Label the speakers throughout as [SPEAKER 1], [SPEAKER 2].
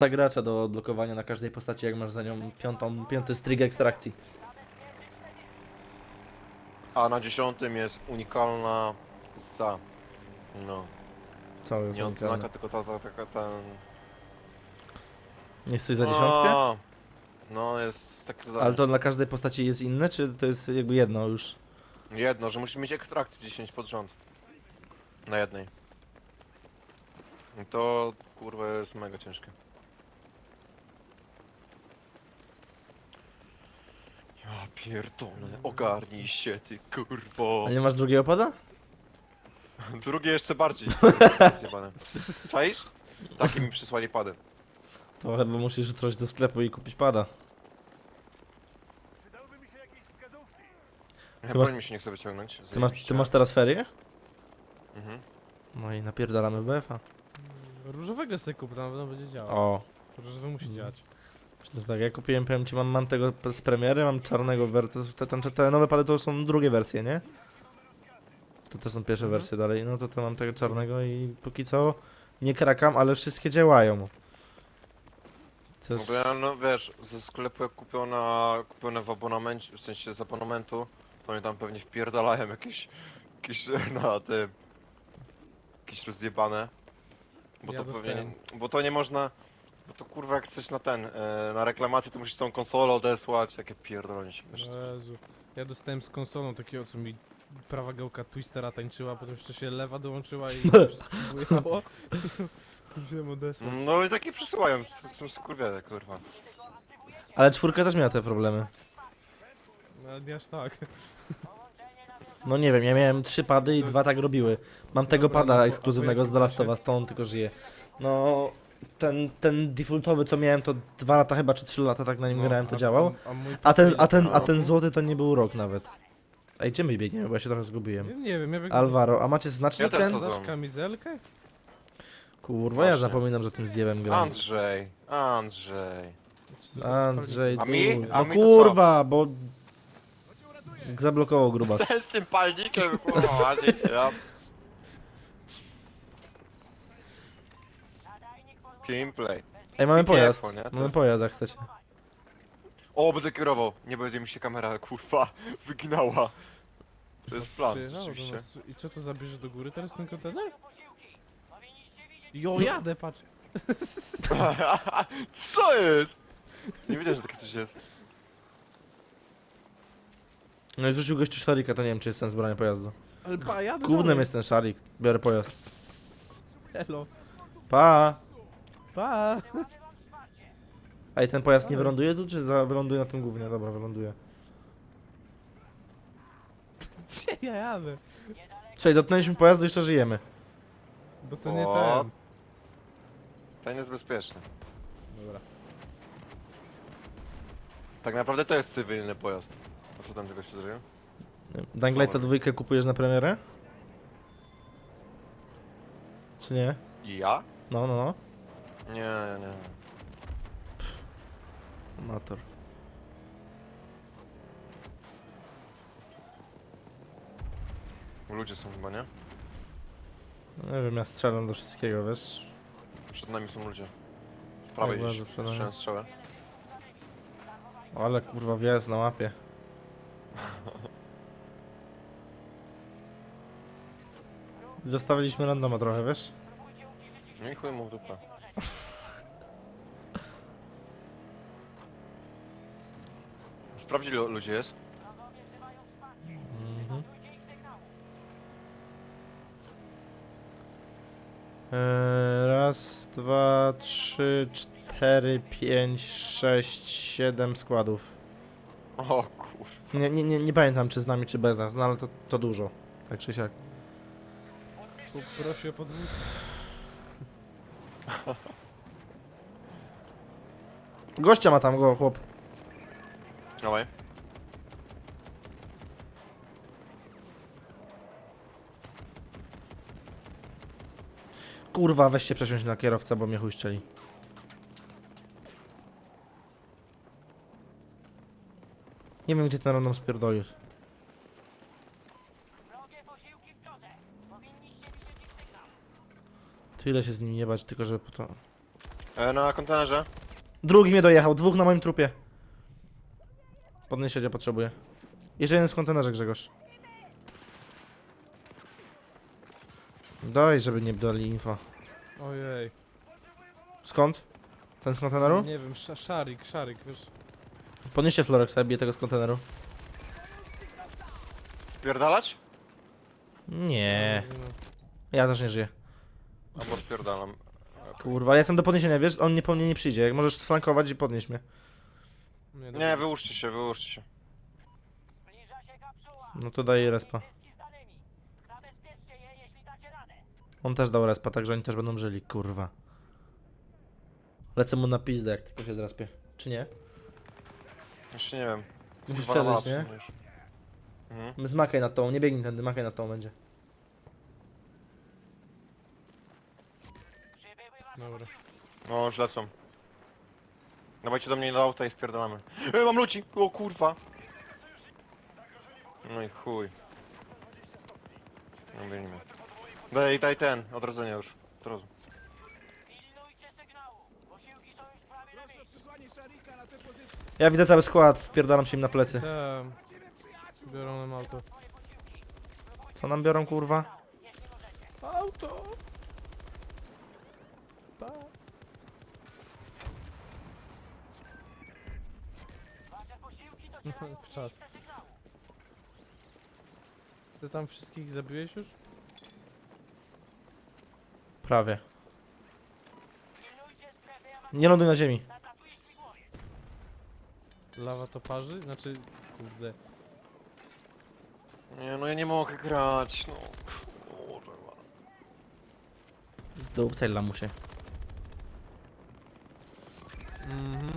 [SPEAKER 1] Ta gracza do odblokowania na każdej postaci, jak masz za nią piąty strig ekstrakcji.
[SPEAKER 2] A na 10 jest unikalna ta, no,
[SPEAKER 1] Co jest
[SPEAKER 2] nie
[SPEAKER 1] unikalne?
[SPEAKER 2] odznaka, tylko taka ten...
[SPEAKER 1] Jest coś za dziesiątkę?
[SPEAKER 2] No, no jest takie
[SPEAKER 1] Ale
[SPEAKER 2] zadanie.
[SPEAKER 1] to dla każdej postaci jest inne, czy to jest jakby jedno już?
[SPEAKER 2] Jedno, że musisz mieć ekstrakty 10 pod rząd. Na jednej. I to kurwa jest mega ciężkie. Ja pierdolę, ogarnij się ty
[SPEAKER 1] A
[SPEAKER 2] kurwo.
[SPEAKER 1] nie masz drugiego pada?
[SPEAKER 2] Drugie jeszcze bardziej, kurwa, zjebane. Czaisz? Takie mi przysłali pady.
[SPEAKER 1] To chyba musisz jutro iść do sklepu i kupić pada.
[SPEAKER 2] Ja
[SPEAKER 1] Ty masz,
[SPEAKER 2] broń mi się nie chce wyciągnąć,
[SPEAKER 1] ty
[SPEAKER 2] zajebiście.
[SPEAKER 1] masz teraz ferie?
[SPEAKER 2] Mhm.
[SPEAKER 1] No i napierdalamy BF-a.
[SPEAKER 3] Różowego sobie kup, to na pewno będzie działał.
[SPEAKER 1] O,
[SPEAKER 3] Różowy musi działać.
[SPEAKER 1] to tak, ja kupiłem, powiem ci, mam tego z premiery, mam czarnego te nowe pady to są drugie wersje, nie? To też są pierwsze wersje dalej, no to mam tego czarnego i póki co nie krakam, ale wszystkie działają. To
[SPEAKER 2] No
[SPEAKER 1] jest...
[SPEAKER 2] bo ja, no wiesz, ze sklepu jak kupione w abonamencie, w sensie z abonamentu, to oni tam pewnie wpierdalają jakieś na tym, jakieś rozjebane. Bo
[SPEAKER 3] Ja
[SPEAKER 2] to pewnie,
[SPEAKER 3] dostałem.
[SPEAKER 2] bo to nie można, bo to kurwa jak chcesz na na reklamację to musisz całą konsolę odesłać, takie pierdolenie się wiesz.
[SPEAKER 3] Jezu. Ja dostałem z konsolą takiego, co mi prawa gałka Twistera tańczyła, potem jeszcze się lewa dołączyła i wszystko się bujało. Musiałem odesłać.
[SPEAKER 2] No i takie przysyłają, to są skurwiele, kurwa.
[SPEAKER 1] Ale czwórka też miała te problemy.
[SPEAKER 3] No ale nie aż tak.
[SPEAKER 1] No nie wiem, ja miałem 3 pady i
[SPEAKER 3] To-
[SPEAKER 1] 2 tak robiły. Mam tego
[SPEAKER 3] Dobra, no
[SPEAKER 1] pada
[SPEAKER 3] bo- a po
[SPEAKER 1] ekskluzywnego z
[SPEAKER 3] jakim
[SPEAKER 1] The Last
[SPEAKER 3] czasie?
[SPEAKER 1] of Us, to on tylko żyje. No, ten defaultowy co miałem to 2 lata chyba, czy 3 lata tak na nim
[SPEAKER 3] No,
[SPEAKER 1] grałem, to działał.
[SPEAKER 3] A mój
[SPEAKER 1] A ten,
[SPEAKER 3] pokój
[SPEAKER 1] a
[SPEAKER 3] roku?
[SPEAKER 1] ten złoty to nie był rok nawet. Ej, gdzie my biegniemy, bo ja się trochę zgubiłem.
[SPEAKER 3] Ja nie wiem, ja biegnę
[SPEAKER 1] Alvaro, a macie
[SPEAKER 2] Ja
[SPEAKER 1] znacznik
[SPEAKER 2] też
[SPEAKER 1] ten?
[SPEAKER 2] to-
[SPEAKER 3] Dasz kamizelkę?
[SPEAKER 1] Kurwa, ja
[SPEAKER 2] Właśnie.
[SPEAKER 1] zapominam, że tym zjebem gram.
[SPEAKER 2] Andrzej.
[SPEAKER 3] Czy to za
[SPEAKER 1] Andrzej,
[SPEAKER 2] A mi?
[SPEAKER 1] du...
[SPEAKER 2] A
[SPEAKER 1] No
[SPEAKER 2] mi to co?
[SPEAKER 1] kurwa, bo... Zablokował grubas.
[SPEAKER 2] Ten z tym palnikiem, kurwa, Andrzej, ja... Teamplay.
[SPEAKER 1] Ej, mamy
[SPEAKER 2] I
[SPEAKER 1] pojazd.
[SPEAKER 2] piekło, nie? To
[SPEAKER 1] Mamy
[SPEAKER 2] jest-
[SPEAKER 1] pojazd, jak chcecie.
[SPEAKER 2] O, będę kierował. Nie będzie mi się kamera, kurwa, wyginała. To jest plan,
[SPEAKER 3] Przyjechało do
[SPEAKER 2] rzeczywiście.
[SPEAKER 3] nas. I co to zabierze do góry teraz ten kontener? Jo, jadę, patrz!
[SPEAKER 2] Co jest? Nie wiedziałem, że takie coś jest.
[SPEAKER 1] No i zrzucił gościu szarika, to nie wiem, czy jest sens brania pojazdu.
[SPEAKER 3] Ale pa, jadę
[SPEAKER 1] Gównem
[SPEAKER 3] dalej.
[SPEAKER 1] jest ten szarik. Biorę pojazd.
[SPEAKER 3] Hello.
[SPEAKER 1] Pa!
[SPEAKER 3] Pa!
[SPEAKER 1] Ej, ten pojazd nie
[SPEAKER 3] Ale-
[SPEAKER 1] wyląduje tu, czy wyląduje na tym gównie? Dobra, wyląduje.
[SPEAKER 3] Gdzie ja jadę?
[SPEAKER 1] Słuchaj, dotknęliśmy pojazdu i jeszcze żyjemy.
[SPEAKER 3] Bo to nie
[SPEAKER 2] O.
[SPEAKER 3] ten.
[SPEAKER 2] Ten jest bezpieczny.
[SPEAKER 3] Dobra.
[SPEAKER 2] Tak naprawdę to jest cywilny pojazd. A co tam tego się zrobiło?
[SPEAKER 1] Dying Lighta 2 kupujesz na premierę? Czy nie?
[SPEAKER 2] I ja?
[SPEAKER 1] No, no, no.
[SPEAKER 2] Nie.
[SPEAKER 1] Amator.
[SPEAKER 2] Ludzie są chyba, nie?
[SPEAKER 1] No nie wiem, ja strzelam do wszystkiego, wiesz?
[SPEAKER 2] Przed nami są ludzie. Z prawej
[SPEAKER 1] Jak
[SPEAKER 2] gdzieś.
[SPEAKER 1] bardzo przed nami.
[SPEAKER 2] Słyszałem strzałę.
[SPEAKER 1] Ale kurwa wjazd na łapie. Zostawiliśmy randoma trochę, wiesz?
[SPEAKER 2] No i chuj mu w dupę. Sprawdź ile ludzi jest.
[SPEAKER 1] Mhm. Raz, dwa, trzy, cztery, pięć, sześć, 7 składów.
[SPEAKER 2] O kur...
[SPEAKER 1] Nie pamiętam czy z nami, czy bez nas, no ale to dużo. Tak czy siak.
[SPEAKER 3] Prosi o podwózkę.
[SPEAKER 1] Gościa ma tam go, chłop.
[SPEAKER 2] Dawaj.
[SPEAKER 1] Kurwa, weź się przesiąść na kierowcę, bo mnie chuj strzeli. Nie wiem, gdzie ten random spierdolił. Tu ile się z nim nie bać, tylko żeby po to...
[SPEAKER 2] Na kontenerze.
[SPEAKER 1] Drugi mnie dojechał, dwóch na moim trupie. Podniesienia potrzebuję. Jeszcze jeden z kontenerze, Grzegorz. Daj, żeby nie dali info.
[SPEAKER 3] Ojej.
[SPEAKER 1] Skąd? Ten z konteneru?
[SPEAKER 3] Nie wiem, szarik, wiesz.
[SPEAKER 1] Podnieście Florek, sobie bije tego z konteneru.
[SPEAKER 2] Spierdalać?
[SPEAKER 1] Nie,
[SPEAKER 3] No,
[SPEAKER 1] ja też nie żyję.
[SPEAKER 2] Albo spierdalam.
[SPEAKER 1] Kurwa, ja jestem do podniesienia, wiesz? On nie po mnie nie przyjdzie. Jak możesz sflankować i podnieść mnie.
[SPEAKER 3] Nie,
[SPEAKER 2] Nie, wyłóżcie się, wyłóżcie się.
[SPEAKER 1] No to daję respa. On też dał respa, także oni też będą żyli, kurwa. Lecę mu na pizdę, jak tylko się zraspię. Czy nie?
[SPEAKER 2] Jeszcze nie wiem.
[SPEAKER 1] Musisz
[SPEAKER 2] Kurwa,
[SPEAKER 1] przeżyć,
[SPEAKER 2] na
[SPEAKER 1] nie?
[SPEAKER 2] mapce już. Mhm.
[SPEAKER 1] Zmakaj na tą, nie biegnij tędy, makaj na tą będzie.
[SPEAKER 3] Dobra.
[SPEAKER 2] No, już lecą. Dawajcie do mnie do auta i spierdalamy. Mam ludzi! O kurwa! No i chuj. No biegnijmy. Daj ten, odrodzenie już. Od razu.
[SPEAKER 1] Ja widzę cały skład, wpierdalam się im na plecy.
[SPEAKER 3] Tam. Biorą nam auto.
[SPEAKER 1] Co nam biorą, kurwa?
[SPEAKER 3] Auto! Pa. W czas. Ty tam wszystkich zabiłeś już?
[SPEAKER 1] Prawie. Nie ląduj na ziemi.
[SPEAKER 3] Lawa to parzy? Znaczy, kurde.
[SPEAKER 2] Nie, no ja nie mogę grać, no. Kurwa.
[SPEAKER 1] Zdupcaj lamusie.
[SPEAKER 3] Mhm.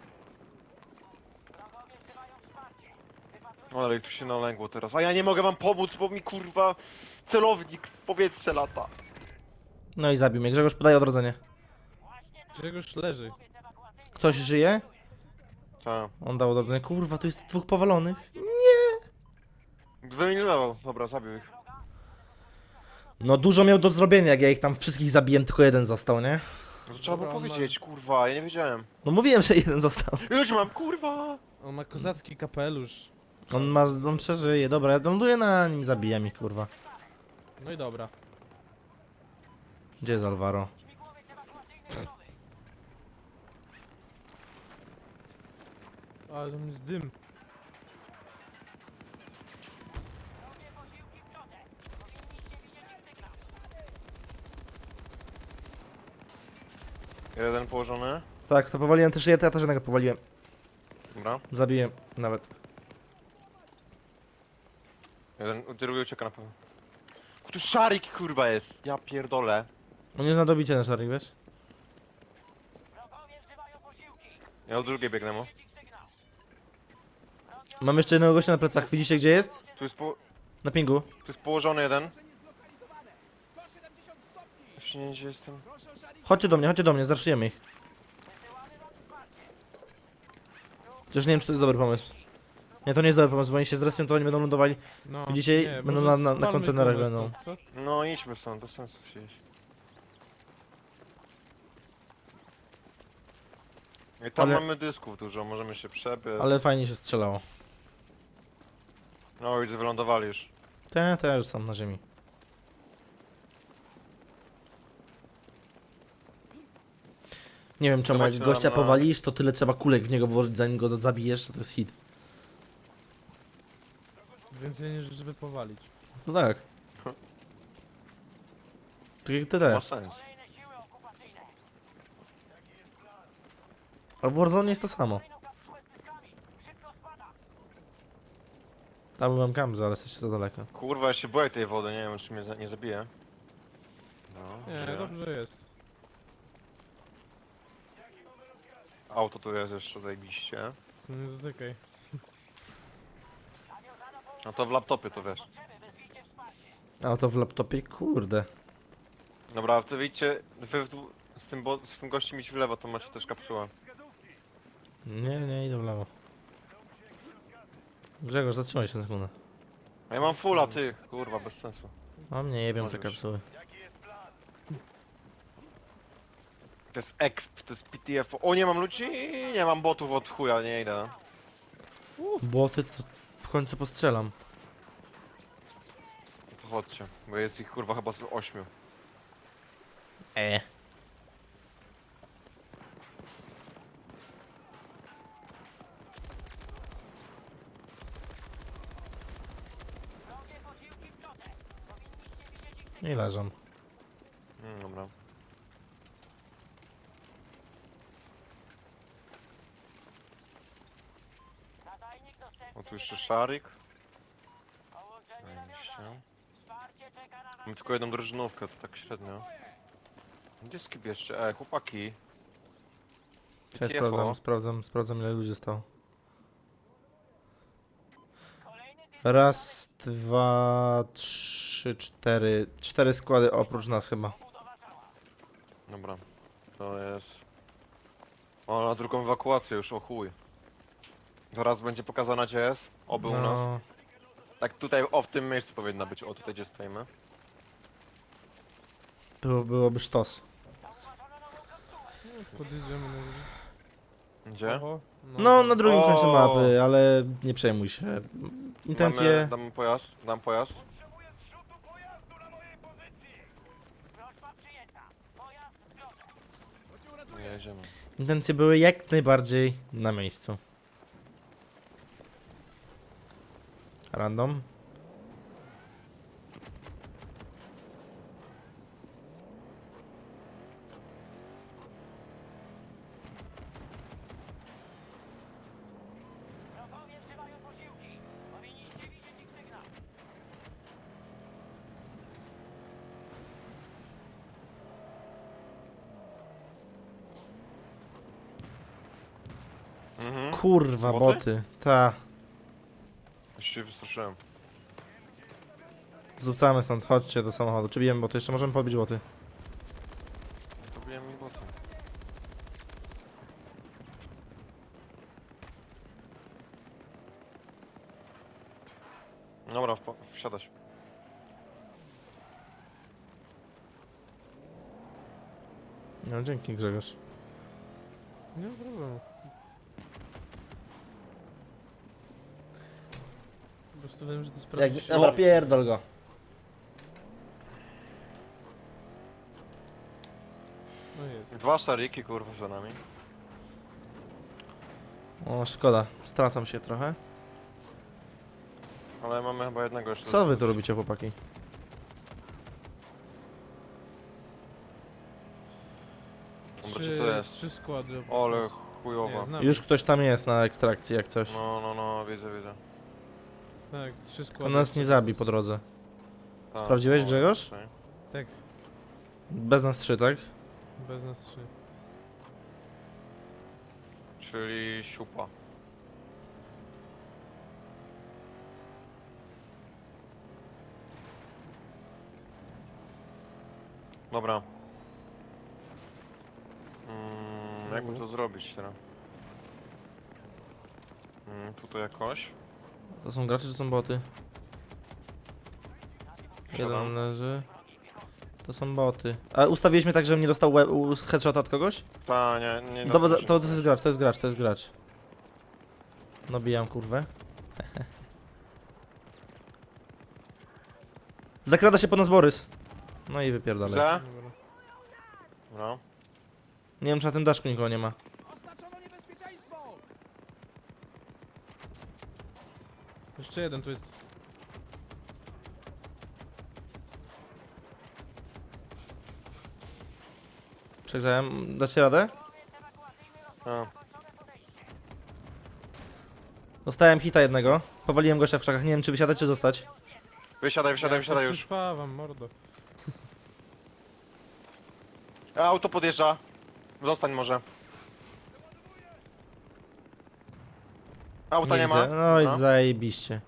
[SPEAKER 2] No ale tu się nalęgło teraz. A ja nie mogę wam pomóc, bo mi kurwa celownik w powietrze lata.
[SPEAKER 1] No i zabił mnie. Grzegorz, podaje odrodzenie.
[SPEAKER 3] Grzegorz leży.
[SPEAKER 1] Ktoś żyje?
[SPEAKER 2] Tak.
[SPEAKER 1] On dał odrodzenie. Kurwa, tu jest dwóch powalonych.
[SPEAKER 2] Wyeliminował. Dobra, zabił ich.
[SPEAKER 1] No dużo miał do zrobienia, jak ja ich tam wszystkich zabiłem, tylko jeden został, nie?
[SPEAKER 2] No to trzeba
[SPEAKER 3] Dobra,
[SPEAKER 2] było
[SPEAKER 3] on ma-
[SPEAKER 2] powiedzieć, kurwa, ja nie wiedziałem.
[SPEAKER 1] No mówiłem, że jeden został.
[SPEAKER 2] Ludzi mam, kurwa!
[SPEAKER 3] On ma kozacki kapelusz.
[SPEAKER 1] On przeżyje, dobra, ja ląduję na nim, zabija mi, kurwa.
[SPEAKER 3] No i dobra.
[SPEAKER 1] Gdzie jest Alvaro?
[SPEAKER 3] Ale tam jest dym.
[SPEAKER 2] Jeden położony.
[SPEAKER 1] Tak, to powaliłem też, ja też jednego powaliłem.
[SPEAKER 2] Dobra.
[SPEAKER 1] Zabiłem nawet.
[SPEAKER 2] Jeden, drugi ucieka na pewno. Tu szarik kurwa jest, ja pierdolę.
[SPEAKER 1] On jest na dobicie na szarik, wiesz?
[SPEAKER 2] Ja o drugiej biegnę mu.
[SPEAKER 1] Mam jeszcze jednego gościa na plecach, widzicie gdzie jest? Na pingu.
[SPEAKER 2] Tu jest położony jeden. Jeszcze nie wiem, gdzie jestem.
[SPEAKER 1] Chodźcie do mnie, zraszujemy ich. Chociaż nie wiem, czy to jest dobry pomysł. Nie, to nie jest dobry pomysł, bo oni się zrespią, to oni będą lądowali.
[SPEAKER 3] No,
[SPEAKER 1] Widzicie?
[SPEAKER 3] nie,
[SPEAKER 1] Będą
[SPEAKER 3] może
[SPEAKER 1] na
[SPEAKER 3] spalmy
[SPEAKER 1] kontenerach
[SPEAKER 3] kogoś
[SPEAKER 1] będą.
[SPEAKER 3] stąd, co?
[SPEAKER 2] No idźmy stąd, bez sensu siedzieć. I tam
[SPEAKER 1] Ale-
[SPEAKER 2] mamy dysków dużo, możemy się przebiec.
[SPEAKER 1] Ale fajnie się strzelało.
[SPEAKER 2] No widzę, wylądowali już.
[SPEAKER 1] Te już są na ziemi. Nie wiem czemu, jak
[SPEAKER 2] Dawajcie
[SPEAKER 1] gościa
[SPEAKER 2] na-
[SPEAKER 1] powalisz, to tyle trzeba kulek w niego włożyć, zanim go zabijesz, to jest hit.
[SPEAKER 3] Więcej niż żeby powalić.
[SPEAKER 1] No tak. Tak jak
[SPEAKER 2] Ma
[SPEAKER 1] TD.
[SPEAKER 2] sens.
[SPEAKER 1] A w Warzone jest to samo. Tam byłem kamzy, ale jesteście za daleko.
[SPEAKER 2] Kurwa, ja się boję tej wody, nie wiem czy mnie nie zabije. No,
[SPEAKER 3] Nie,
[SPEAKER 2] żyję.
[SPEAKER 3] dobrze jest.
[SPEAKER 2] Auto tu jest jeszcze zajebiście.
[SPEAKER 3] No nie dotykaj.
[SPEAKER 2] No to w laptopie to wiesz.
[SPEAKER 1] A to w laptopie, kurde.
[SPEAKER 2] Dobra, to wyjdźcie, z tym gościem idź w lewo, to macie też kapsułę.
[SPEAKER 1] Nie, idę w lewo. Grzegorz, zatrzymaj się na sekundę.
[SPEAKER 2] A ja mam fulla, ty, kurwa, bez sensu.
[SPEAKER 1] A mnie jebią
[SPEAKER 2] Może
[SPEAKER 1] te
[SPEAKER 2] być.
[SPEAKER 1] kapsuły.
[SPEAKER 2] To jest exp, to jest PTF. O, nie mam ludzi, nie mam botów od chuja, nie idę.
[SPEAKER 1] Boty to w końcu postrzelam.
[SPEAKER 2] To chodźcie, bo jest ich kurwa chyba z 8.
[SPEAKER 1] Nie leżą.
[SPEAKER 2] Dobra. O, tu jeszcze szarik. Zajebiście. Mam tylko jedną drużynówkę, to tak średnio. Gdzie skip jeszcze? Chłopaki.
[SPEAKER 1] Ja
[SPEAKER 2] TFO.
[SPEAKER 1] sprawdzam ile ludzi zostało. Raz, dwa, trzy, cztery. 4 składy oprócz nas chyba.
[SPEAKER 2] Dobra. To jest... O, na drugą ewakuację już, o chuj. Zaraz będzie pokazana gdzie jest. Oby u nas.
[SPEAKER 1] No,
[SPEAKER 2] Tak tutaj, o w tym miejscu powinna być. O, tutaj gdzie stoimy.
[SPEAKER 1] byłoby sztos.
[SPEAKER 3] Podjedziemy na górze.
[SPEAKER 2] Gdzie?
[SPEAKER 3] Oho,
[SPEAKER 1] No, na drugim końcu
[SPEAKER 2] O!
[SPEAKER 1] mapy, ale nie przejmuj się. Intencje...
[SPEAKER 2] Dam pojazd, dam pojazd. Jedziemy.
[SPEAKER 1] Intencje były jak najbardziej na miejscu. Random.
[SPEAKER 2] Mhm.
[SPEAKER 1] Kurwa,
[SPEAKER 2] Boty?
[SPEAKER 1] boty. Ta.
[SPEAKER 2] Już się wystraszyłem.
[SPEAKER 1] Zrzucamy stąd, chodźcie do samochodu. Czy bijemy boty? Jeszcze możemy pobić boty.
[SPEAKER 2] To biłem mi boty. Dobra, wsiadać.
[SPEAKER 1] No dzięki Grzegorz.
[SPEAKER 3] Nie ma problemu. Po prostu wiem, że to sprawdzi się.
[SPEAKER 1] Dobra, pierdol go.
[SPEAKER 3] No jest.
[SPEAKER 2] 2 szariki kurwa za nami.
[SPEAKER 1] O, szkoda. Stracam się trochę.
[SPEAKER 2] Ale mamy chyba jednego jeszcze.
[SPEAKER 1] Co wy tu robicie, chłopaki?
[SPEAKER 2] Dobra, czy to jest?
[SPEAKER 3] 3 składy. oprócz
[SPEAKER 2] Ole
[SPEAKER 3] nas.
[SPEAKER 2] chujowa.
[SPEAKER 3] Nie, znam.
[SPEAKER 1] Już ktoś tam jest na ekstrakcji, jak coś.
[SPEAKER 2] No, widzę.
[SPEAKER 3] Tak, 3
[SPEAKER 1] On
[SPEAKER 3] składy.
[SPEAKER 1] nas nie
[SPEAKER 3] oprócz
[SPEAKER 1] zabi
[SPEAKER 3] nas.
[SPEAKER 1] po drodze.
[SPEAKER 2] Tak,
[SPEAKER 1] Sprawdziłeś,
[SPEAKER 2] no,
[SPEAKER 1] Grzegorz?
[SPEAKER 2] tutaj.
[SPEAKER 3] Tak,
[SPEAKER 1] Bez nas 3, tak?
[SPEAKER 3] bez nas 3.
[SPEAKER 2] Czyli siupa. Dobra. Jakby to zrobić teraz? Tutaj jakoś.
[SPEAKER 1] To są gracze czy są boty?
[SPEAKER 2] Wsiadam.
[SPEAKER 1] Jeden leży. To są boty. A ustawiliśmy tak, żebym nie dostał headshota od kogoś?
[SPEAKER 2] Ta, nie
[SPEAKER 1] Dobra,
[SPEAKER 2] naskoczy.
[SPEAKER 1] to jest gracz. Nabijam kurwę. Zakrada się po nas Borys. No i wypierdalaj.
[SPEAKER 2] Widzę?
[SPEAKER 3] Dobra.
[SPEAKER 2] No.
[SPEAKER 1] Nie wiem, czy na tym daszku nikogo nie ma.
[SPEAKER 3] Jeszcze jeden tu jest.
[SPEAKER 1] Przegrzałem. Dacie radę?
[SPEAKER 2] A.
[SPEAKER 1] Dostałem hita jednego. Powaliłem gościa w krzakach. Nie wiem, czy wysiadać, czy zostać.
[SPEAKER 2] Wysiadaj
[SPEAKER 3] Ja
[SPEAKER 2] już.
[SPEAKER 3] przyspawam, mordo.
[SPEAKER 2] Auto podjeżdża. Zostań może. Auta nie ma.
[SPEAKER 1] widzę. No i
[SPEAKER 2] No.
[SPEAKER 1] zajebiście.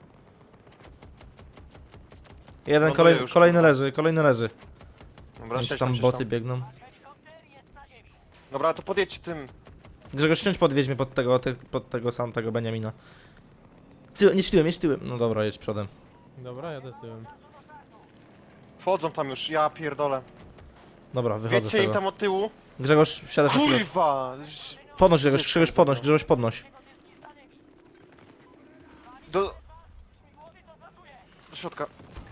[SPEAKER 1] Jeden,
[SPEAKER 2] Ląduje już,
[SPEAKER 1] kolejny
[SPEAKER 2] kurwa.
[SPEAKER 1] leży, kolejny leży.
[SPEAKER 2] Dobra,
[SPEAKER 1] Nie wiem, czy
[SPEAKER 2] siedź
[SPEAKER 1] tam
[SPEAKER 2] siedź
[SPEAKER 1] boty biegną.
[SPEAKER 2] Dobra, to podjedź tym.
[SPEAKER 1] Grzegorz, siądź podwieź mnie pod tego samego Beniamina. Jedź tyłem. No dobra, jedź przodem.
[SPEAKER 3] Dobra, jadę tyłem.
[SPEAKER 2] Wchodzą tam już, ja pierdolę.
[SPEAKER 1] Dobra, wychodzę z
[SPEAKER 2] Wiecie im
[SPEAKER 1] tego.
[SPEAKER 2] tam od tyłu.
[SPEAKER 1] Grzegorz, wsiadasz na pilot.
[SPEAKER 2] Kurwa!
[SPEAKER 1] Podnoś Grzegorz, podnoś.
[SPEAKER 2] Do środka.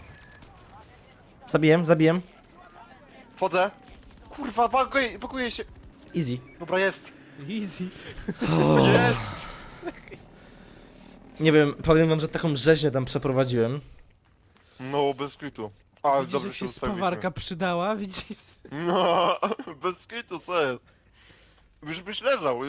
[SPEAKER 1] Zabijem.
[SPEAKER 2] Wchodzę. Kurwa, pakuje się.
[SPEAKER 1] Easy.
[SPEAKER 2] Dobra, jest.
[SPEAKER 3] Easy.
[SPEAKER 2] Jest!
[SPEAKER 1] Nie wiem, powiem wam, że taką rzeźnię tam przeprowadziłem.
[SPEAKER 2] No, bez kitu. A,
[SPEAKER 3] Widzisz,
[SPEAKER 2] dobrze
[SPEAKER 3] jak
[SPEAKER 2] się
[SPEAKER 3] się
[SPEAKER 2] ustawiliśmy.
[SPEAKER 3] spawarka przydała, widzisz?
[SPEAKER 2] No, bez kitu, co jest? Już byś leżał,